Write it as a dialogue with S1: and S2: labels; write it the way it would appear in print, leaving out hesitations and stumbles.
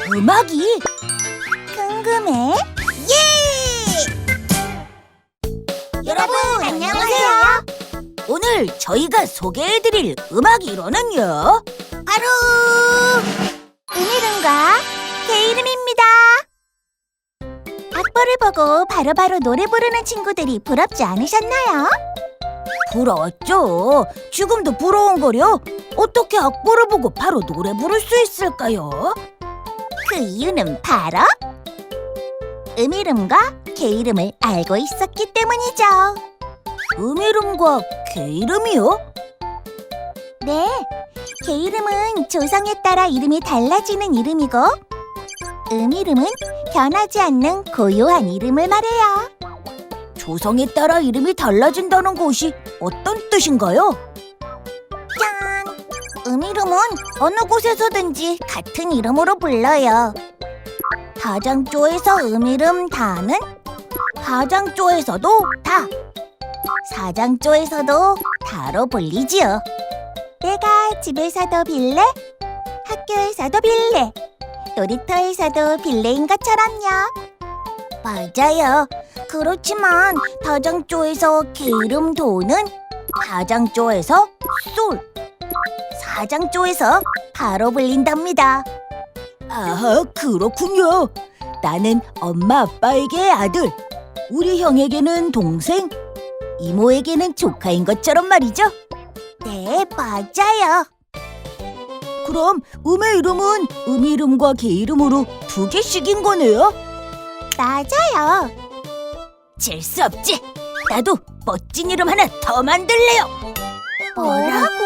S1: 음악이?
S2: 궁금해? 예! 여러분 안녕하세요.
S1: 오늘 저희가 소개해드릴 음악 이론은요?
S2: 바로 음이름과 게이름입니다. 악보를 보고 바로바로 노래 부르는 친구들이 부럽지 않으셨나요?
S1: 부러웠죠. 지금도 부러운거려. 어떻게 악보를 보고 바로 노래 부를 수 있을까요?
S2: 그 이유는 바로 음이름과 게이름을 알고 있었기 때문이죠.
S1: 음이름과 게이름이요?
S2: 네, 게이름은 조성에 따라 이름이 달라지는 이름이고 음이름은 변하지 않는 고유한 이름을 말해요.
S1: 조성에 따라 이름이 달라진다는 것이 어떤 뜻인가요?
S2: 짠! 음이름은 어느 곳에서든지 같은 이름으로 불러요. 다장조에서 음이름 다는 다장조에서도 다, 사장조에서도 다로 불리지요. 내가 집에서도 빌래, 학교에서도 빌래, 놀이터에서도 빌래인 것처럼요. 맞아요. 그렇지만 다장조에서 게이름 도는 다장조에서 솔, 사장조에서 바로 불린답니다.
S1: 아, 그렇군요. 나는 엄마 아빠에게 아들, 우리 형에게는 동생, 이모에게는 조카인 것처럼 말이죠.
S2: 네, 맞아요.
S1: 그럼 음의 이름은 음이름과 게이름으로 두 개씩인 거네요?
S2: 맞아요.
S1: 질 수 없지. 나도 멋진 이름 하나 더 만들래요.
S2: 뭐라고?